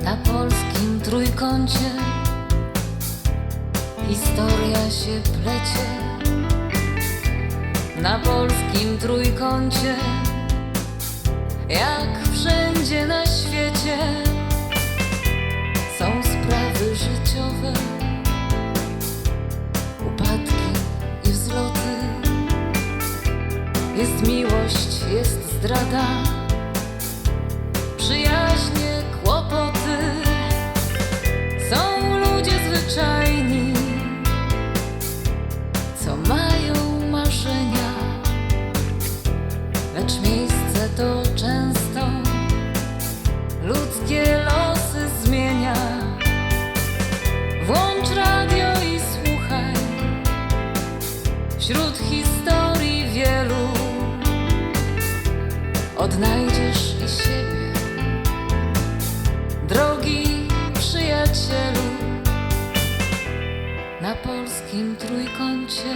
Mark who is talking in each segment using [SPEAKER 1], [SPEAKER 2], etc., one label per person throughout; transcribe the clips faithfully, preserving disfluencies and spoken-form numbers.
[SPEAKER 1] Na polskim trójkącie historia się plecie. Na polskim trójkącie, jak wszędzie na świecie, są sprawy życiowe, upadki i wzloty. Jest miłość, jest zdrada, przyjaźnie, kłopoty. Są ludzie zwyczajni, co mają marzenia, lecz miejsce to często ludzkie losy zmienia. Włącz radio i słuchaj, wśród historii wielu odnajdziesz i siebie, drogi przyjacielu. Na polskim trójkącie.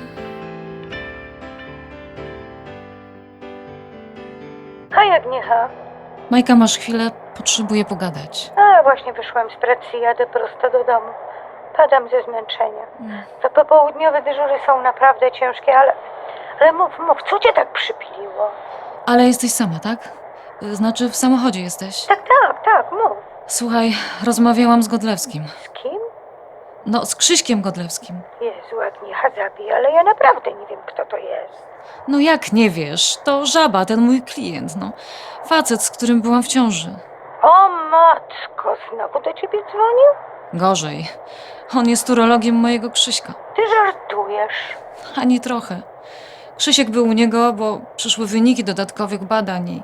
[SPEAKER 2] Hej Agniecha.
[SPEAKER 1] Majka, masz chwilę? Potrzebuję pogadać.
[SPEAKER 2] A, właśnie wyszłam z pracy i jadę prosto do domu. Padam ze zmęczenia.
[SPEAKER 1] Mm.
[SPEAKER 2] Te popołudniowe dyżury są naprawdę ciężkie, ale... Ale mów, mów, co cię tak przypiliło?
[SPEAKER 1] Ale jesteś sama, tak? Znaczy w samochodzie jesteś.
[SPEAKER 2] Tak, tak, tak, mów.
[SPEAKER 1] Słuchaj, rozmawiałam z Godlewskim.
[SPEAKER 2] Z kim?
[SPEAKER 1] No, z Krzyśkiem Godlewskim.
[SPEAKER 2] Jezu, Agniecha, zabij, ale ja naprawdę nie wiem, kto to jest.
[SPEAKER 1] No jak nie wiesz? To Żaba, ten mój klient, no. Facet, z którym byłam w ciąży.
[SPEAKER 2] O matko, znowu do ciebie dzwonił?
[SPEAKER 1] Gorzej. On jest urologiem mojego Krzyśka.
[SPEAKER 2] Ty żartujesz.
[SPEAKER 1] Ani trochę. Krzysiek był u niego, bo przyszły wyniki dodatkowych badań i...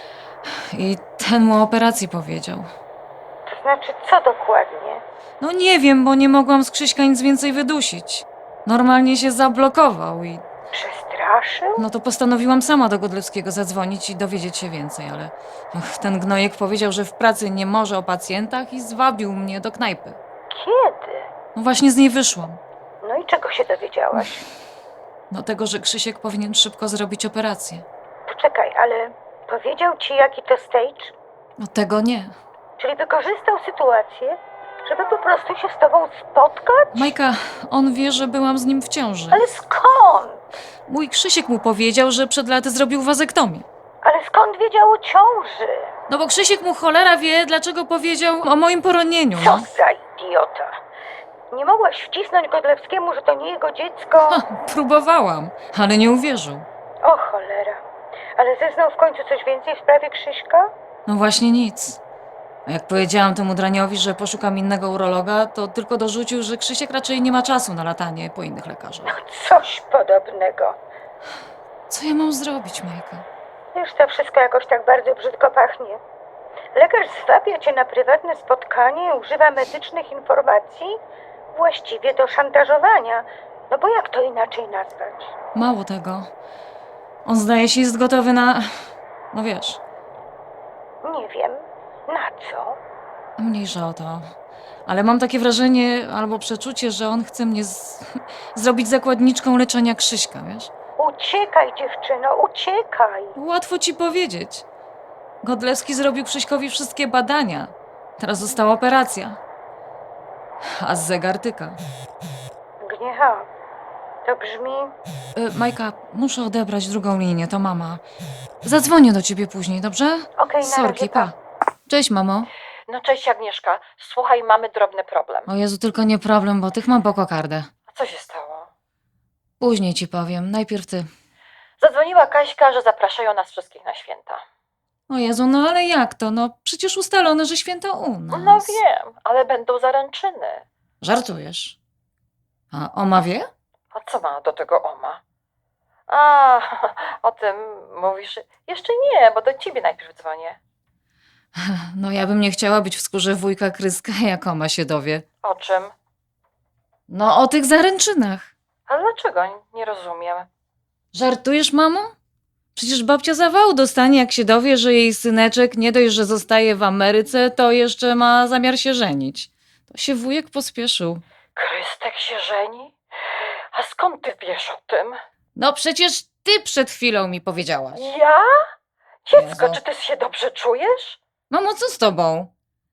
[SPEAKER 1] I ten mu o operacji powiedział.
[SPEAKER 2] To znaczy, co dokładnie?
[SPEAKER 1] No nie wiem, bo nie mogłam z Krzyśka nic więcej wydusić. Normalnie się zablokował i...
[SPEAKER 2] Przestraszył?
[SPEAKER 1] No to postanowiłam sama do Godlewskiego zadzwonić i dowiedzieć się więcej, ale... Ach, ten gnojek powiedział, że w pracy nie może o pacjentach i zwabił mnie do knajpy.
[SPEAKER 2] Kiedy?
[SPEAKER 1] No właśnie z niej wyszłam.
[SPEAKER 2] No i czego się dowiedziałaś?
[SPEAKER 1] No tego, że Krzysiek powinien szybko zrobić operację.
[SPEAKER 2] Poczekaj, ale powiedział ci, jaki to stage?
[SPEAKER 1] No tego nie.
[SPEAKER 2] Czyli wykorzystał sytuację, żeby po prostu się z tobą spotkać?
[SPEAKER 1] Majka, on wie, że byłam z nim w ciąży.
[SPEAKER 2] Ale skąd?
[SPEAKER 1] Mój Krzysiek mu powiedział, że przed laty zrobił wazektomię.
[SPEAKER 2] Ale skąd wiedział o ciąży?
[SPEAKER 1] No bo Krzysiek mu cholera wie, dlaczego powiedział o moim poronieniu.
[SPEAKER 2] Co
[SPEAKER 1] No.
[SPEAKER 2] za idiota. Nie mogłaś wcisnąć Godlewskiemu, że to nie jego dziecko?
[SPEAKER 1] Ha, próbowałam, ale nie uwierzył.
[SPEAKER 2] O cholera. Ale zeznał w końcu coś więcej w sprawie Krzyśka?
[SPEAKER 1] No właśnie nic. A jak powiedziałam temu draniowi, że poszukam innego urologa, to tylko dorzucił, że Krzysiek raczej nie ma czasu na latanie po innych lekarzach.
[SPEAKER 2] Coś podobnego.
[SPEAKER 1] Co ja mam zrobić, Majka?
[SPEAKER 2] Już to wszystko jakoś tak bardzo brzydko pachnie. Lekarz zwabia cię na prywatne spotkanie, używa medycznych informacji, właściwie do szantażowania. No bo jak to inaczej nazwać?
[SPEAKER 1] Mało tego. On zdaje się jest gotowy na... No wiesz,
[SPEAKER 2] Nie wiem. Na co?
[SPEAKER 1] mniejsza o to. Ale mam takie wrażenie albo przeczucie, że on chce mnie z... zrobić zakładniczką leczenia Krzyśka, wiesz?
[SPEAKER 2] Uciekaj, dziewczyno, uciekaj.
[SPEAKER 1] Łatwo ci powiedzieć. Godlewski zrobił Krzyśkowi wszystkie badania. Teraz została operacja. A zegar tyka.
[SPEAKER 2] Gniecha, to brzmi...
[SPEAKER 1] E, Majka, muszę odebrać drugą linię, to mama. Zadzwonię do ciebie później, dobrze?
[SPEAKER 2] Okej, na
[SPEAKER 1] Sorki,
[SPEAKER 2] razie,
[SPEAKER 1] pa. Cześć, mamo.
[SPEAKER 3] No cześć Agnieszka, słuchaj, mamy drobny problem.
[SPEAKER 1] O Jezu, tylko nie problem, bo tych mam po kokardę.
[SPEAKER 3] A co się stało?
[SPEAKER 1] Później ci powiem, najpierw ty.
[SPEAKER 3] Zadzwoniła Kaśka, że zapraszają nas wszystkich na święta.
[SPEAKER 1] O Jezu, no ale jak to? No przecież ustalone, że święta u nas.
[SPEAKER 3] No wiem, ale będą zaręczyny.
[SPEAKER 1] Żartujesz. A Oma wie?
[SPEAKER 3] A co ma do tego Oma? A, o tym mówisz? Jeszcze nie, bo do ciebie najpierw dzwonię.
[SPEAKER 1] No ja bym nie chciała być w skórze wujka Kryska, jak Oma się dowie.
[SPEAKER 3] O czym?
[SPEAKER 1] No o tych zaręczynach.
[SPEAKER 3] Ale dlaczego? Nie rozumiem.
[SPEAKER 1] Żartujesz, mamo? Przecież babcia zawału dostanie, jak się dowie, że jej syneczek nie dość, że zostaje w Ameryce, to jeszcze ma zamiar się żenić. To się wujek pospieszył.
[SPEAKER 3] Krystek się żeni? A skąd ty wiesz o tym?
[SPEAKER 1] No przecież ty przed chwilą mi powiedziałaś.
[SPEAKER 3] Ja? Dziecko,
[SPEAKER 1] Jezu.
[SPEAKER 3] czy ty się dobrze czujesz?
[SPEAKER 1] Mamo, co z tobą?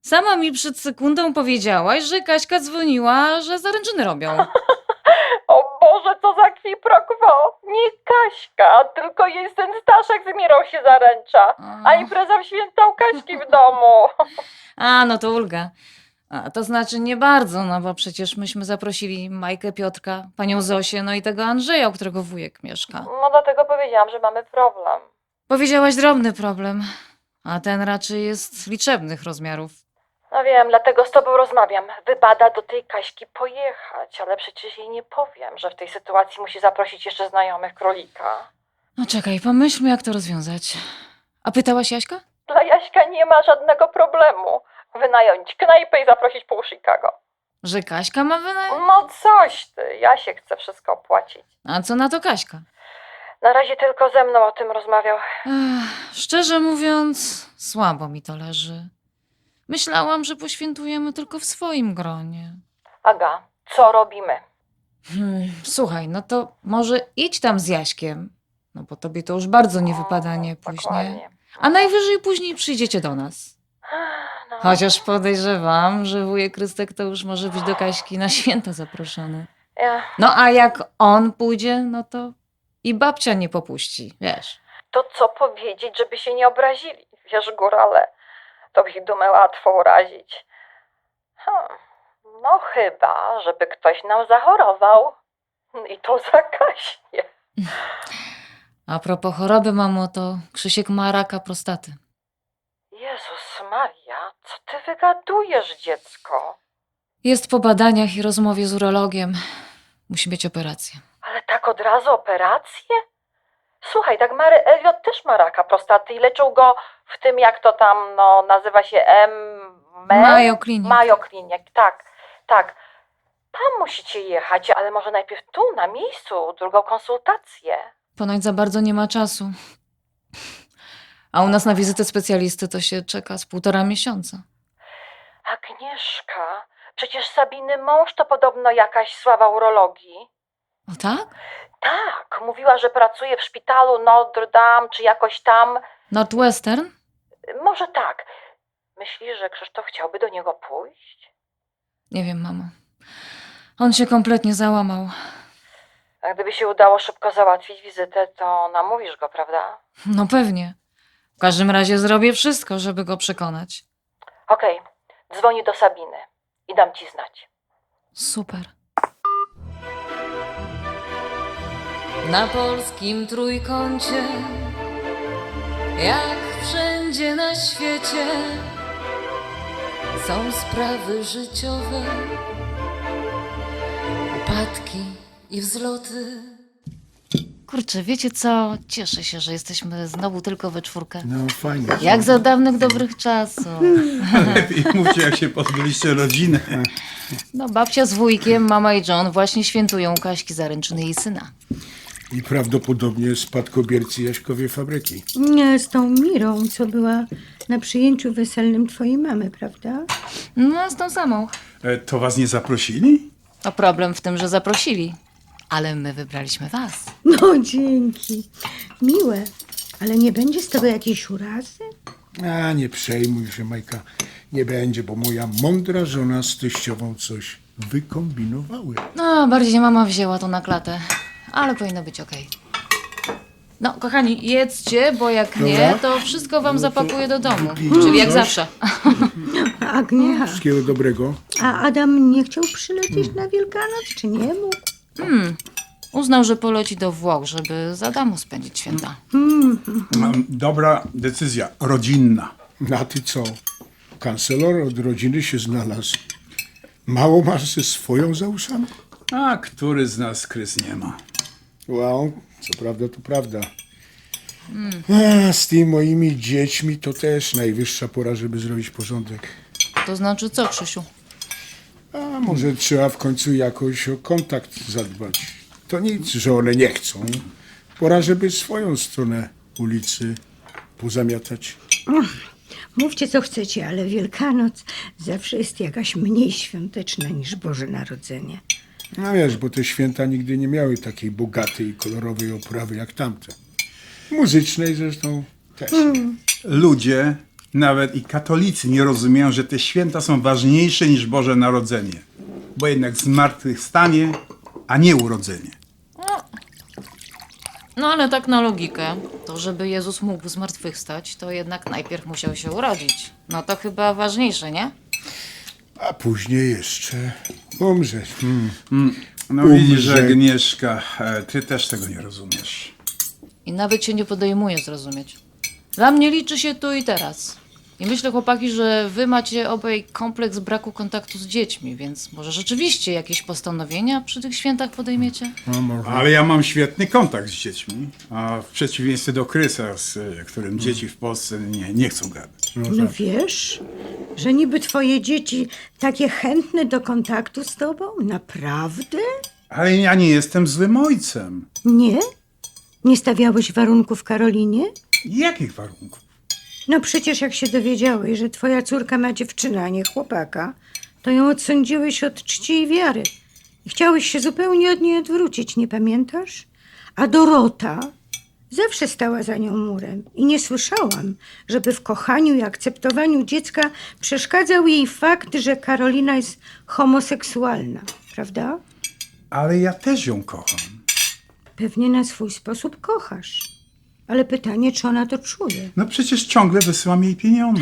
[SPEAKER 1] Sama mi przed sekundą powiedziałaś, że Kaśka dzwoniła, że zaręczyny robią.
[SPEAKER 3] O Boże, co za qui pro quo! Nie Kaśka, tylko jej syn Staszek z Mirą się zaręcza. A impreza w świętą Kaśki w domu.
[SPEAKER 1] A, no to ulga. A, to znaczy nie bardzo, no bo przecież myśmy zaprosili Majkę, Piotrka, panią Zosię, no i tego Andrzeja, u którego wujek mieszka.
[SPEAKER 3] No dlatego powiedziałam, że mamy problem.
[SPEAKER 1] Powiedziałaś drobny problem, a ten raczej jest liczebnych rozmiarów.
[SPEAKER 3] No wiem, dlatego z tobą rozmawiam. Wypada do tej Kaśki pojechać, ale przecież jej nie powiem, że w tej sytuacji musi zaprosić jeszcze znajomych królika.
[SPEAKER 1] No czekaj, pomyślmy, jak to rozwiązać. A pytałaś Jaśka?
[SPEAKER 3] Dla Jaśka nie ma żadnego problemu. Wynająć knajpę i zaprosić pół Chicago.
[SPEAKER 1] Że Kaśka ma wynająć?
[SPEAKER 3] No coś ty, Jasiek chce wszystko opłacić.
[SPEAKER 1] A co na to Kaśka?
[SPEAKER 3] Na razie tylko ze mną o tym rozmawiał.
[SPEAKER 1] Ech, szczerze mówiąc, słabo mi to leży. Myślałam, że poświętujemy tylko w swoim gronie.
[SPEAKER 3] Aga, co robimy?
[SPEAKER 1] Hmm, słuchaj, no to może idź tam z Jaśkiem. No bo tobie to już bardzo nie wypada, nie później.
[SPEAKER 3] Dokładnie.
[SPEAKER 1] A najwyżej później przyjdziecie do nas.
[SPEAKER 3] No.
[SPEAKER 1] Chociaż podejrzewam, że wujek Krystek to już może być do Kaśki na święta zaproszony.
[SPEAKER 3] Ja,
[SPEAKER 1] No a jak on pójdzie, no to i babcia nie popuści, wiesz.
[SPEAKER 3] to co powiedzieć, żeby się nie obrazili? Wiesz, górale, to ich dumę łatwo urazić. Hmm. No chyba, żeby ktoś nam zachorował. I to zakaśnie.
[SPEAKER 1] A propos choroby, mamo, to Krzysiek ma raka prostaty.
[SPEAKER 3] Jezus Maria, co ty wygadujesz, dziecko?
[SPEAKER 1] Jest po badaniach i rozmowie z urologiem. Musi mieć operację.
[SPEAKER 3] Ale tak od razu operację? Słuchaj, tak Mary Elliot też ma raka prostaty i leczył go w tym, jak to tam no, nazywa się M...
[SPEAKER 1] Mayo Clinic.
[SPEAKER 3] Mayo Clinic, tak, tak. Tam musicie jechać, ale może najpierw tu, na miejscu, drugą konsultację.
[SPEAKER 1] Ponoć za bardzo nie ma czasu. A u nas na wizytę specjalisty to się czeka z półtora miesiąca.
[SPEAKER 3] Agnieszka, przecież Sabiny mąż to podobno jakaś sława urologii.
[SPEAKER 1] O tak?
[SPEAKER 3] Tak, mówiła, że pracuje w szpitalu Notre Dame, czy jakoś tam.
[SPEAKER 1] Northwestern?
[SPEAKER 3] Może tak. Myślisz, że Krzysztof chciałby do niego pójść?
[SPEAKER 1] Nie wiem, mamo. On się kompletnie załamał.
[SPEAKER 3] A gdyby się udało szybko załatwić wizytę, to namówisz go, prawda?
[SPEAKER 1] No pewnie. W każdym razie zrobię wszystko, żeby go przekonać.
[SPEAKER 3] Okej, dzwonię do Sabiny i dam ci znać.
[SPEAKER 1] Super. Na polskim trójkącie, jak wszędzie na świecie, są sprawy życiowe, upadki i wzloty. Kurczę, wiecie co? Cieszę się, że jesteśmy znowu tylko we czwórkę.
[SPEAKER 4] No fajnie.
[SPEAKER 1] Jak za dawnych dobrych czasów.
[SPEAKER 4] Lepiej mówcie, jak się pozbyliście rodziny.
[SPEAKER 1] No, babcia z wujkiem, mama i John właśnie świętują Kaśki zaręczyny jej syna.
[SPEAKER 4] I prawdopodobnie spadkobiercy Jaśkowej fabryki.
[SPEAKER 2] Nie, z tą Mirą, co była na przyjęciu weselnym twojej mamy, prawda?
[SPEAKER 1] No, z tą samą.
[SPEAKER 4] E, to was nie zaprosili?
[SPEAKER 1] To problem w tym, że zaprosili. Ale my wybraliśmy was.
[SPEAKER 2] No, dzięki. Miłe. Ale nie będzie z tego jakiejś urazy?
[SPEAKER 4] A nie przejmuj się, Majka. Nie będzie, bo moja mądra żona z teściową coś wykombinowały.
[SPEAKER 1] No, bardziej mama wzięła to na klatę. Ale powinno być okej. No, kochani, jedzcie, bo jak nie,
[SPEAKER 4] Dobra.
[SPEAKER 1] to wszystko wam zapakuję do domu.
[SPEAKER 4] wypijmy
[SPEAKER 1] Czyli jak
[SPEAKER 4] coś.
[SPEAKER 1] zawsze.
[SPEAKER 2] Agniecha.
[SPEAKER 4] Wszystkiego dobrego.
[SPEAKER 2] A Adam nie chciał przylecieć na Wielkanoc, czy nie mógł?
[SPEAKER 1] Hmm. Uznał, że poleci do Włoch, żeby za domu spędzić święta.
[SPEAKER 4] Mam dobra decyzja, rodzinna. A ty co? Kancelor od rodziny się znalazł. Mało masz ze swoją za uszami?
[SPEAKER 5] A który z nas Krys nie ma?
[SPEAKER 4] Wow, co prawda to prawda. A, z tymi moimi dziećmi to też najwyższa pora, żeby zrobić porządek.
[SPEAKER 1] To znaczy co, Krzysiu?
[SPEAKER 4] A może trzeba w końcu jakoś o kontakt zadbać. To nic, że one nie chcą. Pora, żeby swoją stronę ulicy pozamiatać.
[SPEAKER 2] Mówcie, co chcecie, ale Wielkanoc zawsze jest jakaś mniej świąteczna niż Boże Narodzenie.
[SPEAKER 4] No wiesz, bo te święta nigdy nie miały takiej bogatej i kolorowej oprawy jak tamte. Muzycznej zresztą też.
[SPEAKER 5] Ludzie Nawet i katolicy nie rozumieją, że te święta są ważniejsze niż Boże Narodzenie. Bo jednak zmartwychwstanie, a nie urodzenie.
[SPEAKER 1] No ale tak na logikę, to żeby Jezus mógł zmartwychwstać, to jednak najpierw musiał się urodzić. No to chyba ważniejsze, nie?
[SPEAKER 4] A później jeszcze umrzeć. Hmm.
[SPEAKER 5] No
[SPEAKER 4] Umrze.
[SPEAKER 5] widzisz, Agnieszka, e, ty też tego nie rozumiesz.
[SPEAKER 1] I nawet się nie podejmuje zrozumieć. Dla mnie liczy się tu i teraz. I myślę, chłopaki, że wy macie obaj kompleks braku kontaktu z dziećmi, więc może rzeczywiście jakieś postanowienia przy tych świętach podejmiecie?
[SPEAKER 4] No, może.
[SPEAKER 5] Ale ja mam świetny kontakt z dziećmi, a w przeciwieństwie do Krysa, z e, którym dzieci w Polsce nie, nie chcą gadać.
[SPEAKER 2] No wiesz, że niby twoje dzieci takie chętne do kontaktu z tobą? Naprawdę?
[SPEAKER 5] Ale ja nie jestem złym ojcem.
[SPEAKER 2] Nie? Nie stawiałeś warunków Karolinie?
[SPEAKER 5] Jakich warunków?
[SPEAKER 2] No przecież jak się dowiedziałeś, że twoja córka ma dziewczynę, a nie chłopaka, to ją odsądziłeś od czci i wiary. I chciałeś się zupełnie od niej odwrócić, nie pamiętasz? A Dorota zawsze stała za nią murem i nie słyszałam, żeby w kochaniu i akceptowaniu dziecka przeszkadzał jej fakt, że Karolina jest homoseksualna, prawda?
[SPEAKER 5] Ale ja też ją kocham.
[SPEAKER 2] Pewnie na swój sposób kochasz. Ale pytanie, czy ona to czuje?
[SPEAKER 5] No przecież ciągle wysyłam jej pieniądze.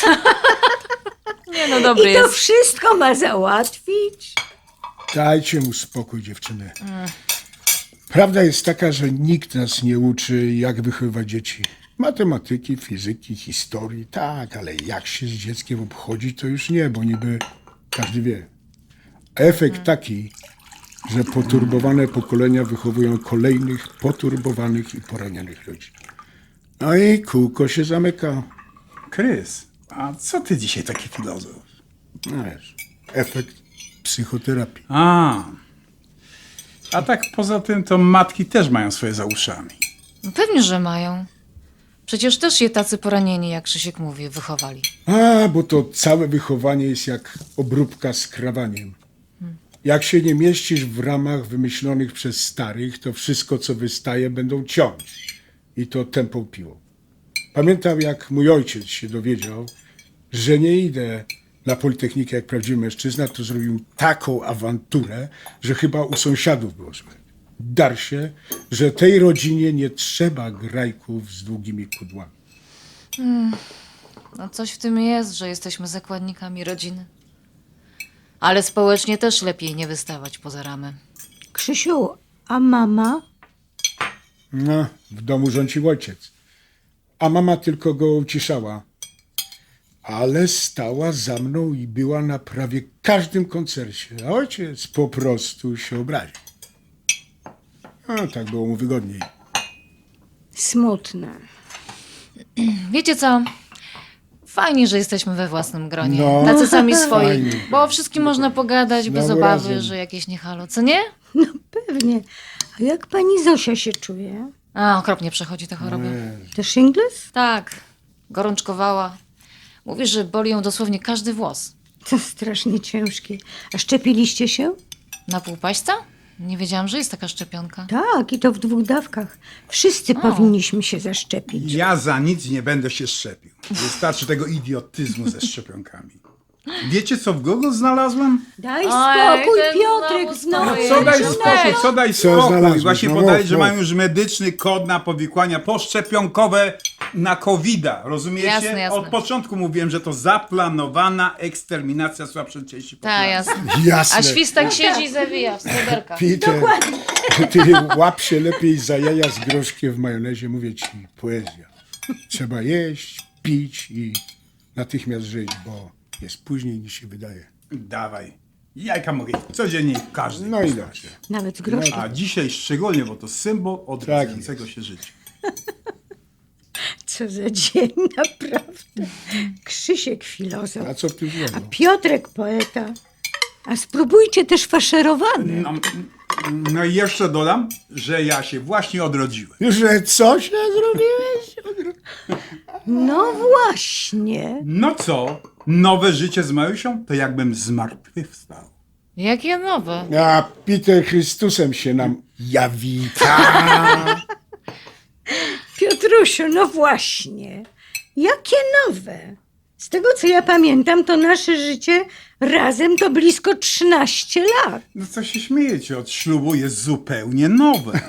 [SPEAKER 1] Nie no, dobry
[SPEAKER 2] I to
[SPEAKER 1] jest.
[SPEAKER 2] wszystko ma załatwić?
[SPEAKER 4] Dajcie mu spokój, dziewczyny. Prawda jest taka, że nikt nas nie uczy, jak wychowywać dzieci. Matematyki, fizyki, historii, tak, ale jak się z dzieckiem obchodzi, to już nie, bo niby każdy wie. Efekt taki, że poturbowane pokolenia wychowują kolejnych poturbowanych i poranionych ludzi. No i kółko się zamyka.
[SPEAKER 5] Krys, a co ty dzisiaj taki filozof?
[SPEAKER 4] No wiesz, efekt psychoterapii.
[SPEAKER 5] A, a tak poza tym to matki też mają swoje za uszami.
[SPEAKER 1] No pewnie, że mają. Przecież też je tacy poranieni, jak Krzysiek mówi, wychowali.
[SPEAKER 4] A, bo to całe wychowanie jest jak obróbka z krawaniem. Jak się nie mieścisz w ramach wymyślonych przez starych, to wszystko, co wystaje, będą ciąć. I to tępą piłą. Pamiętam, jak mój ojciec się dowiedział, że nie idę na Politechnikę jak prawdziwy mężczyzna, to zrobił taką awanturę, że chyba u sąsiadów było słychać. Dar się, że tej rodzinie nie trzeba grajków z długimi kudłami.
[SPEAKER 1] No coś w tym jest, że jesteśmy zakładnikami rodziny. Ale społecznie też lepiej nie wystawać poza ramy.
[SPEAKER 2] Krzysiu, a mama?
[SPEAKER 4] No, w domu rządził ojciec, a mama tylko go uciszała. Ale stała za mną i była na prawie każdym koncercie, a ojciec po prostu się obraził. No, tak było mu wygodniej.
[SPEAKER 2] Smutne.
[SPEAKER 1] Wiecie co? Fajnie, że jesteśmy we własnym gronie.
[SPEAKER 4] No.
[SPEAKER 1] Tacy sami swoi.
[SPEAKER 4] Fajnie.
[SPEAKER 1] Bo o wszystkim można pogadać bez
[SPEAKER 4] Znowu
[SPEAKER 1] obawy,
[SPEAKER 4] razem.
[SPEAKER 1] że jakieś nie halo. Co nie?
[SPEAKER 2] No pewnie. A jak pani Zosia się czuje?
[SPEAKER 1] A, okropnie przechodzi tę chorobę.
[SPEAKER 2] To shingles?
[SPEAKER 1] Tak. Gorączkowała. Mówi, że boli ją dosłownie każdy włos.
[SPEAKER 2] To strasznie ciężkie. A szczepiliście się?
[SPEAKER 1] Na półpaśca? Nie wiedziałam, że jest taka szczepionka.
[SPEAKER 2] Tak, i to w dwóch dawkach. Wszyscy powinniśmy się zaszczepić.
[SPEAKER 5] Ja za nic nie będę się szczepił. Wystarczy tego idiotyzmu ze szczepionkami. Wiecie, co w Google znalazłem?
[SPEAKER 2] Daj
[SPEAKER 1] Oj,
[SPEAKER 2] spokój,
[SPEAKER 1] ten
[SPEAKER 2] Piotrek,
[SPEAKER 1] znowu
[SPEAKER 2] znowu.
[SPEAKER 1] stoi.
[SPEAKER 5] Co daj
[SPEAKER 1] Ej,
[SPEAKER 5] spokój, co daj
[SPEAKER 4] Co
[SPEAKER 5] spokój.
[SPEAKER 4] znalazłeś?
[SPEAKER 5] Właśnie
[SPEAKER 4] No
[SPEAKER 5] podali,
[SPEAKER 4] mów,
[SPEAKER 5] że
[SPEAKER 4] mów.
[SPEAKER 5] mają już medyczny kod na powikłania poszczepionkowe na kowida. Rozumiecie?
[SPEAKER 1] Jasne, jasne.
[SPEAKER 5] Od początku mówiłem, że to zaplanowana eksterminacja słabszej części
[SPEAKER 1] Tak,
[SPEAKER 5] populacji.
[SPEAKER 1] jasne.
[SPEAKER 4] Jasne.
[SPEAKER 1] A świstak siedzi i zawija w sreberkach.
[SPEAKER 4] Peter, ty łap się lepiej za jaja z groszkiem w majonezie, mówię ci, poezja. Trzeba jeść, pić i natychmiast żyć, bo jest później niż się wydaje.
[SPEAKER 5] Dawaj. Jajka mogę jeść codziennie każdy.
[SPEAKER 4] No i dobrze.
[SPEAKER 2] Nawet z groszkiem.
[SPEAKER 5] A dzisiaj szczególnie, bo to symbol odrodzającego się życia.
[SPEAKER 2] Co za dzień, naprawdę. Krzysiek filozof,
[SPEAKER 4] A co w tym
[SPEAKER 2] a
[SPEAKER 4] złego?
[SPEAKER 2] Piotrek poeta. A spróbujcie też faszerowane.
[SPEAKER 5] No, no i jeszcze dodam, że ja się właśnie odrodziłem.
[SPEAKER 4] Że co się zrobiłeś?
[SPEAKER 2] No właśnie.
[SPEAKER 5] No co? Nowe życie z Majusią? To jakbym zmartwychwstał.
[SPEAKER 1] Jakie nowe?
[SPEAKER 4] A Peter Chrystusem się nam jawi. Ta.
[SPEAKER 2] Piotrusiu, no właśnie. Jakie nowe? Z tego, co ja pamiętam, to nasze życie razem to blisko trzynaście lat.
[SPEAKER 5] No co się śmiejecie, od ślubu jest zupełnie nowe.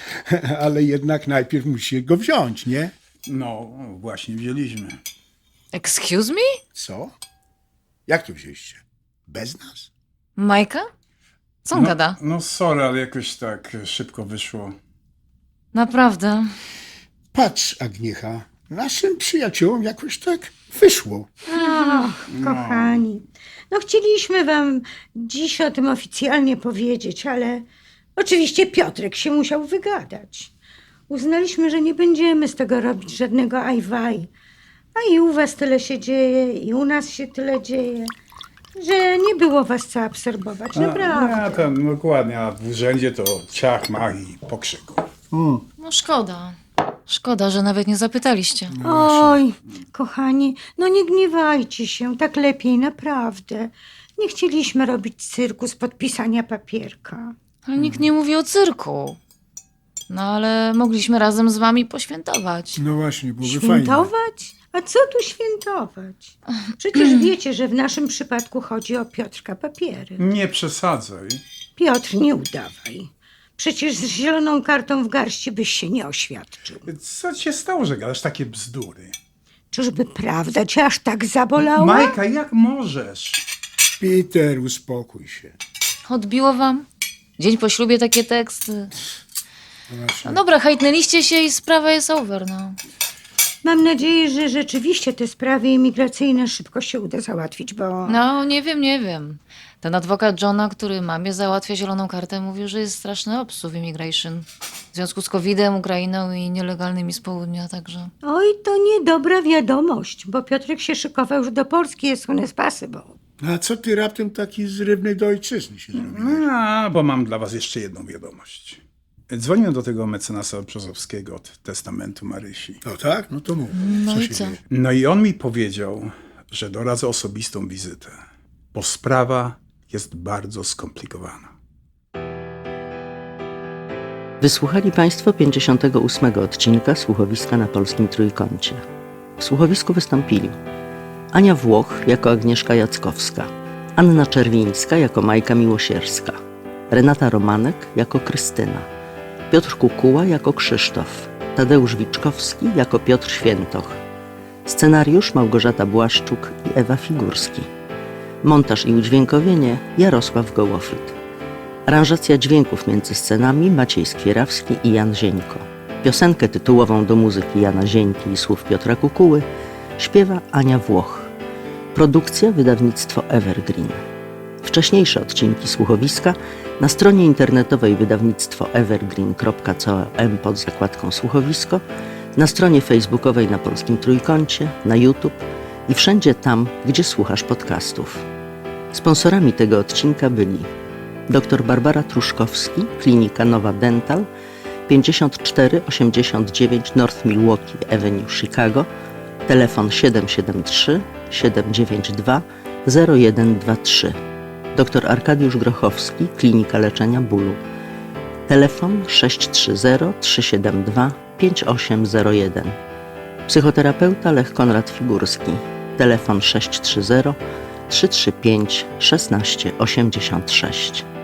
[SPEAKER 4] Ale jednak najpierw musi go wziąć, nie?
[SPEAKER 5] No, właśnie wzięliśmy.
[SPEAKER 1] Excuse me?
[SPEAKER 4] Co? Jak to wzięliście? Bez nas?
[SPEAKER 1] Majka? Co on
[SPEAKER 5] No,
[SPEAKER 1] gada?
[SPEAKER 5] no sorry, ale jakoś tak szybko wyszło.
[SPEAKER 1] Naprawdę.
[SPEAKER 4] Patrz, Agniecha, naszym przyjaciołom jakoś tak wyszło.
[SPEAKER 2] Ach, kochani. No chcieliśmy wam dziś o tym oficjalnie powiedzieć, ale oczywiście Piotrek się musiał wygadać. Uznaliśmy, że nie będziemy z tego robić żadnego ajwaj. A i u was tyle się dzieje, i u nas się tyle dzieje, że nie było was co absorbować, naprawdę.
[SPEAKER 5] A, to dokładnie, a w urzędzie to ciach, mach i pokrzyku.
[SPEAKER 1] No szkoda. Szkoda, że nawet nie zapytaliście.
[SPEAKER 2] Oj, kochani, no nie gniewajcie się, tak lepiej naprawdę. Nie chcieliśmy robić cyrku z podpisania papierka.
[SPEAKER 1] Ale nikt nie mówi o cyrku. No ale mogliśmy razem z wami poświętować.
[SPEAKER 4] No właśnie, byłoby fajnie.
[SPEAKER 2] Świętować? A co tu świętować? Przecież wiecie, że w naszym przypadku chodzi o Piotrka papiery.
[SPEAKER 5] Nie przesadzaj.
[SPEAKER 2] Piotr, nie udawaj. Przecież z zieloną kartą w garści byś się nie oświadczył.
[SPEAKER 5] Co ci się stało, że gadasz takie bzdury?
[SPEAKER 2] Czyżby prawda cię aż tak zabolała?
[SPEAKER 5] Majka, jak możesz?
[SPEAKER 4] Peter, uspokój się.
[SPEAKER 1] Odbiło wam? Dzień po ślubie takie teksty.
[SPEAKER 4] No właśnie.
[SPEAKER 1] No dobra, hejtnęliście się i sprawa jest over, no.
[SPEAKER 2] Mam nadzieję, że rzeczywiście te sprawy imigracyjne szybko się uda załatwić, bo...
[SPEAKER 1] No, nie wiem, nie wiem. Ten adwokat Johna, który mamie załatwia zieloną kartę, mówił, że jest straszny obsuw immigration. W związku z kowidem, Ukrainą i nielegalnymi z południa, także...
[SPEAKER 2] Oj, to niedobra wiadomość, bo Piotrek się szykował już do Polski, jest soon possible.
[SPEAKER 4] No a co ty raptem taki zrywny do ojczyzny się zrobiłeś?
[SPEAKER 5] A, bo mam dla was jeszcze jedną wiadomość. Dzwoniłem do tego mecenasa Brzozowskiego od testamentu Marysi.
[SPEAKER 4] No tak? No to mów.
[SPEAKER 1] No
[SPEAKER 4] co
[SPEAKER 1] i
[SPEAKER 4] się
[SPEAKER 1] co?
[SPEAKER 4] dzieje?
[SPEAKER 5] No i on mi powiedział, że doradza osobistą wizytę, bo sprawa jest bardzo skomplikowana.
[SPEAKER 6] Wysłuchali Państwo pięćdziesiątego ósmego odcinka Słuchowiska na Polskim Trójkącie. W słuchowisku wystąpili Ania Włoch jako Agnieszka Jackowska, Anna Czerwińska jako Majka Miłosierska, Renata Romanek jako Krystyna, Piotr Kukuła jako Krzysztof, Tadeusz Wiczkowski jako Piotr Świętoch, scenariusz Małgorzata Błaszczuk i Ewa Figurski, montaż i udźwiękowienie Jarosław Gołofryt, aranżacja dźwięków między scenami Maciej Skwierawski i Jan Zieńko. Piosenkę tytułową do muzyki Jana Zieńki i słów Piotra Kukuły śpiewa Ania Włoch. Produkcja wydawnictwo Evergreen. Wcześniejsze odcinki słuchowiska na stronie internetowej wydawnictwo evergreen kropka com pod zakładką słuchowisko, na stronie facebookowej na Polskim Trójkącie, na YouTube i wszędzie tam, gdzie słuchasz podcastów. Sponsorami tego odcinka byli dr Barbara Truszkowski, Klinika Nowa Dental, pięćdziesiąt cztery osiemdziesiąt dziewięć North Milwaukee Avenue, Chicago, telefon siedem siedem trzy siedem dziewięć dwa zero jeden dwa trzy. dr Arkadiusz Grochowski, Klinika Leczenia Bólu, telefon sześć trzy zero trzy siedem dwa pięć osiem zero jeden. Psychoterapeuta Lech Konrad Figurski, telefon sześć trzy zero trzy trzy pięć jeden sześć osiem sześć.